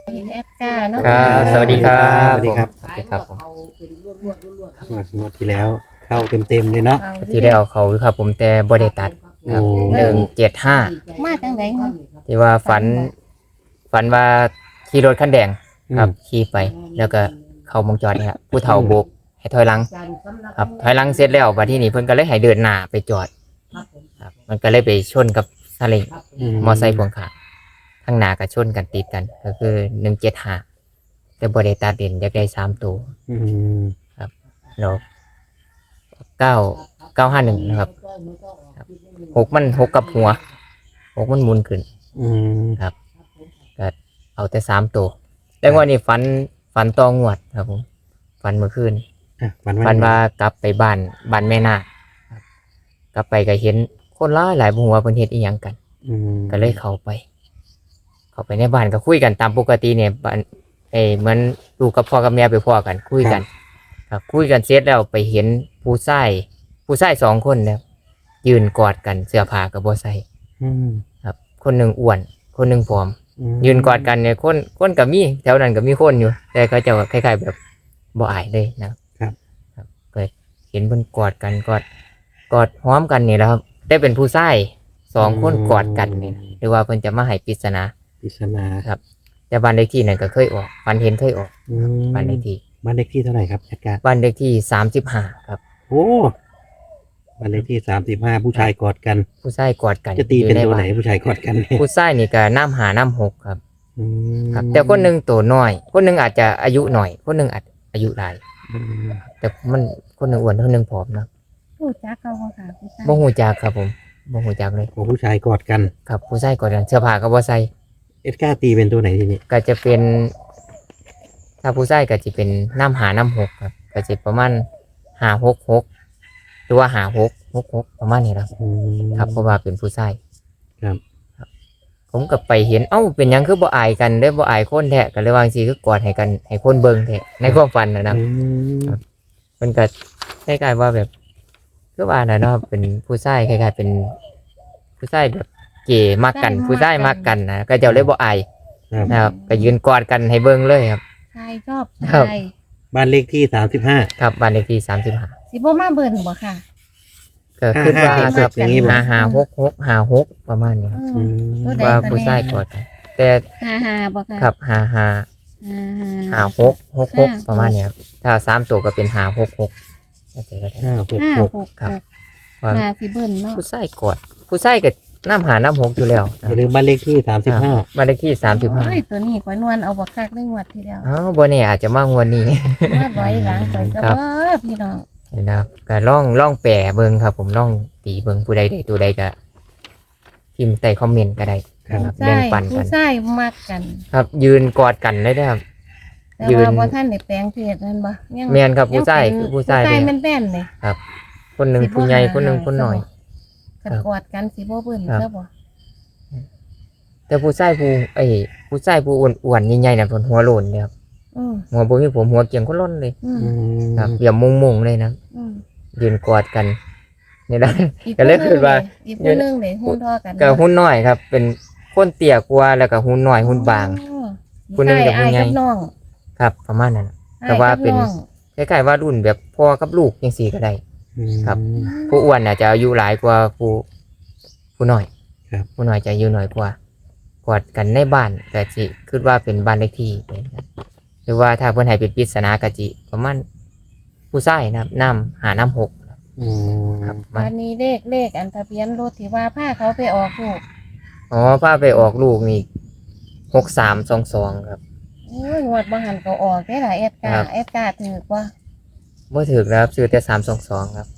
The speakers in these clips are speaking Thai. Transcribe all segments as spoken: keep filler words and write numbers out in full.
แอดก้าเนาะครับสวัสดีครับสวัสดีครับสวัสดีครับผมงวดที่แล้วเข้าเต็มๆเลยเนาะที่ได้เอาเขาครับผมแต่บริตัดครับโอ้หนึ่งเจ็ดห้ามาจังไดเนาะที่ว่าฝันฝันว่าขี่รถคันแดงครับขี่ไปแล้วก็เข้าวงจรนี่ครับผู้เฒ่าโบกให้ถอยหลังครับถอยหลังเสร็จแล้วบัดที่นี่เพิ่นก็เลยให้เดินหน้าไปจอดครับมันก็เลยไปชนกับซาเล้งมอไซค์พ่วงข้างข้างหน้าก็ชนกันติดกันก็คือหนึ่งเจ็ดห้าแต่บริตัดเด่นอยากได้สามตัวอืมแล้วเก้าเก้าห้าหนึ่งนะครับหกมันหกกับหัวหกมันหมุนขึ้นอืมครับก็เอาแต่สามตัวแต่ว่านี่ฝันฝันตองวดครับผมฝันเมื่อคืนอ่ะวันฝันว่ากลับไปบ้านบ้านแม่นาคครับกลับไปก็เห็นคนร้ายหลายบุหัวาเพิ่นเฮ็ดอีหยังกันอืมก็เลยเข้าไป เข้าไปในบ้านก็คุยกันตามปกติเนี่ยบ้านเอ้เหมือนลูกกับพ่อกับแม่ไปพ่อกันคุยกัน ครับคุยกันเสร็จแล้วไปเห็นผู้ชายผู้ชายสองคนเนี่ยยืนกอดกันเสื้อผ้ากับบ่ใส่อืมครับ คนหนึ่งอ้วน คนหนึ่งผอมอืมยืนกอดกันเนี่ยคนคนกับมีแถวนั้นก็มีคนอยู่ แต่เขาจะคล้ายๆแบบบ่อายเลยนะครับ ครับก็เห็นเพิ่นกอดกันกอดกอดหอมกันนี่แหละครับได้เป็นผู้ชายสองคนกอดกันนี่นะหรือว่าเพิ่นจะมาให้ปริศนาปริศนาครับ แต่บ้านเลขที่นั่นก็เคยออกฝันเห็นเคยออกอืมบ้านเลขที่บ้านเลขที่เท่าไหร่ครับจัดการบ้านเลขที่สามสิบห้าครับโอ้บ้านเลขที่สามสิบห้าผู้ชายกอดกันผู้ชายกอดกันจะตีเป็นอยู่ตัวใบ้าไหนผู้ชายกอดกันเนี่ยผู้ชายนี่ก็น้ำหาน้ำหกครับอืมครับ แต่คนหนึ่งตัวน้อย คนหนึ่งอาจจะอายุหน่อย คนหนึ่งอาจอายุหลายอืมแต่มันคนหนึ่งอ้วนคนหนึ่งผอมนะรู้จักเขาบ่ค่ะผู้ชายบ่หูจักครับผมบ่หูจักเลยโอ้ผู้ชายกอดกันครับผู้ชายกอดกันเสื้อผ้าก็บ่ใส่เอ็ดก้าตีเป็นตัวไหนทีนี้ก็จะเป็น ถ้าผู้ชายก็จะเป็นน้ำหาน้ำหกครับก็จะประมาณหาหกหกหรือว่าหาหกหกหกประมาณนี้ครับอืมครับเพราะว่าเป็นผู้ชายครับผมก็ไปเห็นเอ้าเป็นหยังคือบ่อายกันได้อบ่อายคนแท้ก็เลยว่าจังซี่คือกอดให้กันให้คนเบิ่งแท้ในความฝันนะนะอืมมันก็คล้ายๆว่าแบบก็ว่าน่ะเนาะเป็นผู้ชายคล้ายๆเป็นผู้ชายแบบเก๋มักกัน ผู้ชายมักกันนะก็เจ้าเลยบ่อายครับนะครับก็ยืนกอดกันให้เบิ่งเลยครับชายชอบครับชายบ้านเลขที่สามสิบห้าครับบ้านเลขที่สามสิบห้าสิบ่มาเบิ่นบ่ค่ะก็คิดว่าห้าห้าครับอย่างนี้บ่ห้าห้าหกหกห้าหกประมาณนี้ครับอืมตัวใดว่าก็ผู้ชายกอดกันแต่ห้าห้าบ่ค่ะครับห้าห้าห้าห้าหกหกหกประมาณนี้ครับถ้าสามตัวก็เป็นห้าหกหกก็จะได้ห้าหกห้าหกหกครับหกว่ามาสิเบิ่นเนาะผู้ชายกอดผู้ชายก็น้ำหาน้ำหกอยู่แล้วอย่าลืมบ้านเลขที่สามสิบห้าบ้านเลขที่สามสิบห้าโอ้ยตัวนี้ข่อยนวลเอาบ่คักได้งวดทีเดียวอ๋อบ่แน่อาจจะมางวดนี้มาร้อยหลังข่อยก็ครับบ่พี่น้องนะครับก็ล่องล่องแปรเบิ่งครับ ผมล่องตีเบิ่งผู้ใดได้ตัวใดก็พิมพ์ใต้คอมเมนต์ก็ได้นะครับใช่แบ่งปันกัผู้นชายมักกันครับ ยืนกอดกันเลยนะครับแต่ยืนว่าบ่ทันได้แปลงเพศนั่นบ่ยังแม่นครับผู้ชายงเป็นคือผู้ชายผู้ชายเลยแม่นๆเลยคนหนึ่งสิบ่ผู้ใหญ่หาคนหนึ่งให้คนหน่อยกันครับกอดกันสิบ่เบิ่นครับซะบ่แต่ผู้ชายผู้ไอ้ยผู้ชายผู้อ้วนๆใหญ่ๆน่ะเพิ่นหัวโลนเลยครับอืมหัวบ่มีผมหัวเกียงคนล้นเลยอืมอืมครับเดี๋ยวมุงๆเลยนะอืมยืนกอดกันนี่นะอีก็เลยผู้หคิดว่าอีกผู้หนึงเลยหุ้นทอกันก็หุ้นน้อยครับ เป็นคนเตี้ยกว่าแล้วก็หุ้นน้อยหุ้นบางอ๋อผู้หนึ่งกับผู้ใหญ่อ้ายกับน้องครับ ประมาณนั้น แต่ว่าเป็นอ้ยกับองคล้ายๆว่ารุ่นแบบพ่อกับลูกยังสี่ก็ได้ ครับอืมผู้อ้วนน่ะจะอายุหลายกว่าผู้ผู้น้อยครับผู้น้อยจะอายุน้อยกว่ากอดกันในบ้านก็จิคิดว่าเป็นบ้านเลขที่นะครับหรือว่าถ้าเพิ่นให้เป็นปริศนากะจิประมาณผู้ชายนะครับน้ำหาน้ำหกอืมครับมัวัน นนี้เลขเลขอันทะเบียนรถที่ว่าพาเขาไปออกลูกอ๋อพาไปออกลูกนี่หกสามสองสองครับโอ้ยงวดบ่หันก็ออกได้ล่ะแอดกาครับแอดกาถือกว่าบ่ถึกนะครับซื้อแต่สามสองสองครับ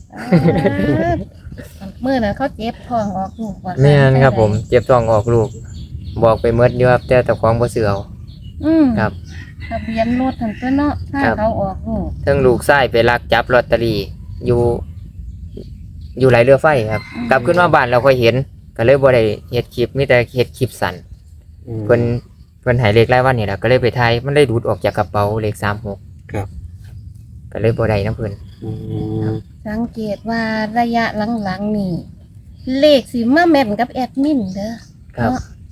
มื้อนั้นเขาเจ็บท้องออกลูกว่าแม่นครับผมเจ็บท้องออกลูก บอกไปเมดอยู่ครับแต่เจ้าของบ่ซื้อเอาอืมครับทะเบียนรถทั้งตัวเนาะพาครับเขาออกลูกทั้งลูกชายไปลักจับลอตเตอรี่อยู่ อยู่ไหลเรือไฟครับ กลับขึ้นมาบ้านเราค่อยเห็น ก็เลยบ่ได้เฮ็ดคลิปมีแต่เฮ็ดคลิปสั้นอืมเพิ่นเพิ่นให้เลขรายวันนี่แหละก็เลยไปถ่ายมันได้ดูดออกจากกระเป๋าเลขสามหกครับก็เลยบ่ได้นํเพิ่นอืมสังเกตว่าระยะหลังๆนี่เลขสิมาแม่นกับแอดมินเด้อครับเนาะแ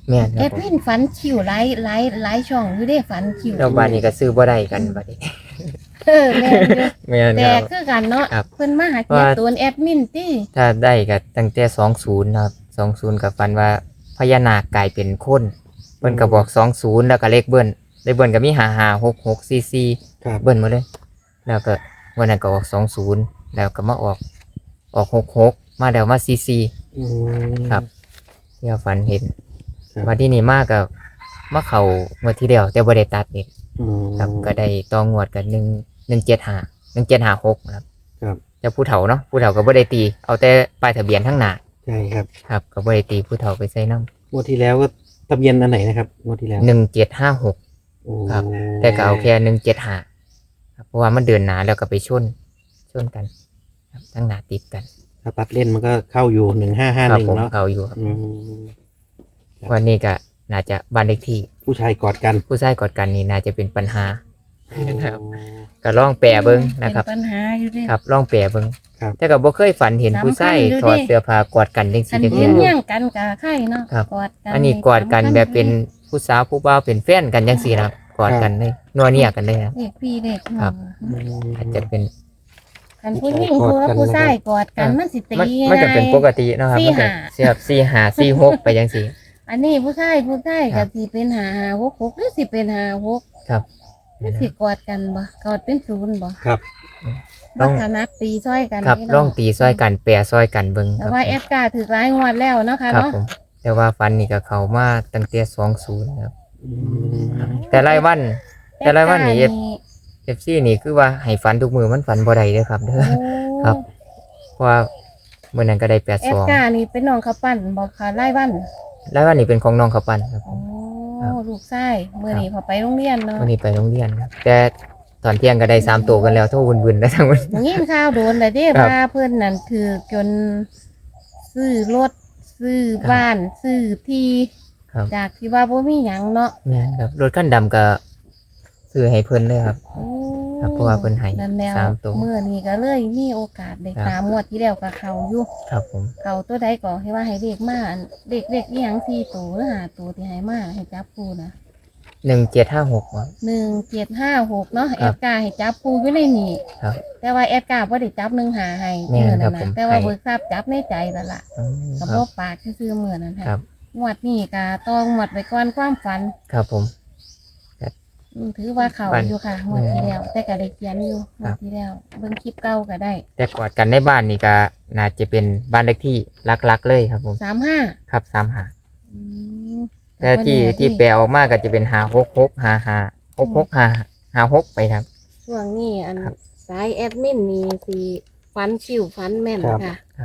แม่นคแอรับดผมมินฝันคิวหลายหลายหลายช่องอยู่เด้ฝันคิวแล้วบ้านนี้ก็ซื้อบ่ได้กันบัดนี้เออแม่นอยู่แม่นแต่ครับคือกันเนาะครับเพิ่นมาหาเกียรติตัวแอดมินติถ้าได้ก็ตั้งแต่สองสิบนะครับสองสิบก็ฝันว่าพญานาคกลายเป็นคนเพิ่นก็บอกสองสิบแล้วก็เลขเบิ้นเลขเบิ้นก็มีห้าห้าหกหกสี่สี่ครับเบิ้นหมดเลย แล้วก็วันนั้นก็ออกสองสิบแล้วก็มาออกออกหกหกมาแล้วมาสี่สี่อืมครับ ที่เราฝันเห็นครับวันที่นี่มากกับมาเขางวดที่เดียวแต่บ่ได้ตัดเองอืมครับก็ได้ตองงวดกันหนึ่งหนึ่งเจ็ดห้าหนึ่งเจ็ดห้าหกครับครับจะผู้เฒ่าเนาะผู้เฒ่าก็บ่ได้ตี เอาแต่ป้ายทะเบียนทั้งหน้าใช่ครับครับก็บ่ได้ตีผู้เฒ่าไปใส่น้งวดที่แล้วก็ทะเบียนอันไหนนะครับงวดที่แล้วำหนึ่งเจ็ดห้าหกโอ้ครับ แต่ก็เอาแค่หนึ่งเจ็ดห้าครับเพราะว่ามันเดินหนาแล้วก็ไปชนชนกัน ครับทั้งหน้าติดกันถ้าปัดเล่นมันก็เข้าอยู่หนึ่งห้าห้าคหรับนึ่งผมเนาะเขาอยู่ครับอืมวันนี้ก็น่าจะบ้านเลขที่ผู้ชายกอดกันผู้ชายกอดกันนี่น่าจะเป็นปัญหา ครับโอ้ก็ลองแปลเบิ่งนะครับเป็นปัญหาอยู่เด้ครับลองแปลเบิ่งครับแต่ก็บ่เคยฝันเห็นสำคัญผู้ชายอยู่ถอดดิเสื้อผ้ากอดกันจังอัซี่นจังนี้ซี่เงี้ยงกันกับไข่เนาะครับกอดกันอันนี้กอดกันแบบเป็นผู้สาวผู้บ่าวเป็นแฟนกันจังซี่นะครับกอดกันเลยนัวเนียกันเลยครับเด็กพี่เด็กน้องครับอืมอาจจะเป็นกันผู้หญิงผู้กับผู้ชายกอดกันมันสิตีมันมันก็เป็นปกติเนาะครับสี่มันก็ห้าเสียบสี่ห้าสี่หกไปจังซี่อันนี้ผู้ชายผู้ชายครัก็บสิเป็นหาหาหกหกหรือสิเป็นหาหกครับมันสิกอดกันบ่กอดเป็นศูนย์บ่ครับต้ลัองกษณะตีซ้อยกันครับนี่ลองเนาะตีซอยกันแปรซอยกันเบิ่งคแต่รับว่าแอดการ์ถือร้ายงวดแล้วเนาะค่ะครับเนาะผมแต่ว่าฟันนี่ก็เข้ามาตั้งแต่สองสิบครับอืมแต่รายวัน แต่รายวันนี่แอดเอฟซีนี่คือว่าให้ฝันทุกมือมันฝันบ่ได้เด้อครับเด้อโอ้ครับ เพราะว่ามื้อนั้นก็ได้แปดแอสดองการ์นี่เป็นน้องเขาปั้นบอกค่ะรายวันแล้ววันนี้เป็นของน้องเขาวปันครับผโอ้ม ครับลูกชายมื้อนี้พอไปโรงเรียนเนาะวันนี้ไปโรงเรียนครับแต่ตอนเที่ยงก็ได้สามตัวกันแล้วโทษวุ่นๆแล้วทั้งวันอย่างนี้ข่าวโดนเลยเด้ครับว่าเพิ่นนั่นคือจนซื้อรถซื้อบ้านซื้อที่ครับจากที่ว่าบ่มีหยังเนาะแม่นครับรถคันดำก็ซื้อให้เพิ่นเลยครับโอ้ครับเพราะว่าเพิ่นให้นั่นแล้วสามตัวเมื่อนี้ก็เลยมีโอกาสได้ครับตามงวดที่แล้วกับเขาอยู่ครับผมเขาตัวใดก็ให้ว่าให้เด็กมาอันเด็กเด็กอีหยังสี่ตัวหรือห้าตัวที่ให้มาให้จับปูนะหนึ่งเจ็ดห้าหกครับหนึ่งเจ็ดห้าหกเนาะคแอรับดการ์ให้จับปูอยู่ในนี่ครับแต่ว่าแอดการ์บ่ได้จับหนึ่งหาให้แม่นเมื่อครันั้บนผมนะแต่ว่าให้เบิกทราบจับในใจแล้วล่ะอืมกับครับ่บปากซื่อๆเมื่อนั้นครัค่ะบงวดนี้ก็ต้องงวดไว้ก่อนความฝันครับผมอืมถือว่าเขาฝันอยู่ค่ะงวดที่แล้ว แต่ก็ได้เขียนอยู่งครัวดบที่แล้วเบิ่งคลิปเก่าก็ได้แต่กอดกันในบ้านนี่ก็น่าจะเป็นบ้านเลขที่รักๆเลยครับผมสามห้าครับสามหาอืมแต่ที่ที่แปลออกมาก็จะเป็นหาหกหกหาหาหกหกหาหาหกไปครับช่วงนี้อันครับสายแอดมินนี่สิฟันชิวฟันแม่นครับค่ะ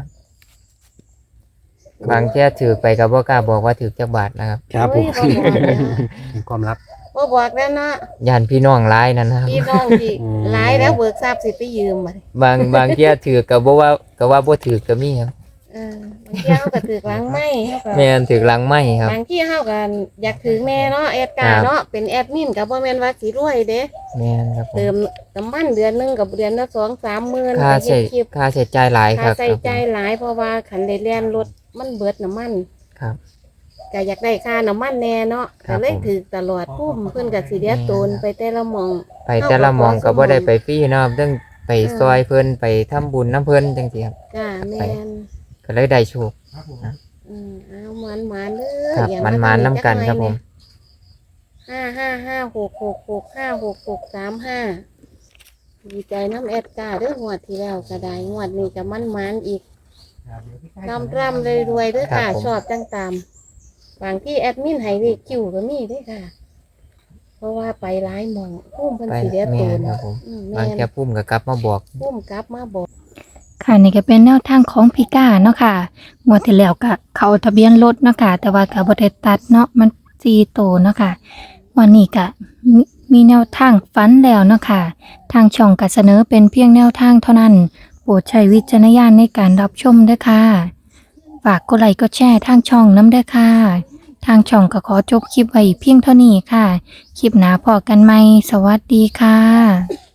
บางเที่ยถือไปกับบ่กล้าบอกว่าถือจักบาทนะครับครับผมโอ้ยบ่บอกแล้วความลับบ่บอกแล้วเนาะยานพี่น้องร้ายนั่นนะครับพี่น้องที่อืมหลายแล้วเบิกทราบสิไปยืมมาบางบางเที่ยถือกับบ่ว่าก็ว่าบ่ถือก็มีครับเออบางทีเฮาก็ถือหลังไม่เฮาก็แม่นถือหลังไม้ครับบางที่เฮาก็อยากถือแม่เนาะแอดกาครับเนาะเป็นแอดมินก็บ่แม่นว่าสิรวยเด้แม่นครับผมเติมน้ำมันเดือนหนึงกับเดือนละสองสามหมื่นค่าไปเฮ็ใช้ดคลิปค่าใช้จ่ายหลายคค่ารับใส่ใจายหลายเพราะว่าคันได้เลียนรถมันเบิดน้ำมันครับก็อยากได้ค่าน้ำมันแน่เนาะครัก็บเลยผมถือตลอดพุ่มเพิ่นก็สิเดียโตนไปแต่ละหมองไปแต่ละหมองก็บ่ได้ไปฟรีเนาะครับต้องไปเออซอยเพิ่นไปทำบุญน้ำเพิ่นจังซี่ครับจ้าแม่นก็เลยได้โชคอืมเอาหมันหมันๆเด้อครับอย่ามันทำมานอีน้ำกันครับผมห้าห้าห้าหกหกหกห้าหกหกสามห้าดีใจน้ำแอดกาเด้องวดที่แล้วก็ได้งวดนี้ก็มันมันๆอีกร่ำร่ำรวยๆเด้อครัค่ะบผมชอบจังตามบางที่แอดมินให้เลขคิวก็มีเด้วยค่ะ เพราะว่าไปร้ายหมองพุ่มเพิ่นไปสิเดียแม่โตนนครับผมอืมบางแม่นแค่พุ่มก็กลับมาบอกพุ่มกลับมาบอกค่ะนี่ก็เป็นแนวทางของพี่ก้าเนาะค่ะงวดที่แล้วก็เขาทะเบียนรถเนาะค่ะแต่ว่าก็บ่ได้ตัดเนาะมันสี่โตวเนาะค่ะวันนี้ก็มีมีแนวทางฝันแล้วเนาะค่ะทางช่องก็เสนอเป็นเพียงแนวทางเท่านั้นโปรดใช้วิจารณญาณในการรับชมด้วยค่ะฝากกดไลค์กดแชร์ทางช่องน้ำด้วยค่ะทางช่องก็ขอจบคลิปไว้เพียงเท่านี้ค่ะคลิปหน้าพอกันไหมสวัสดีค่ะ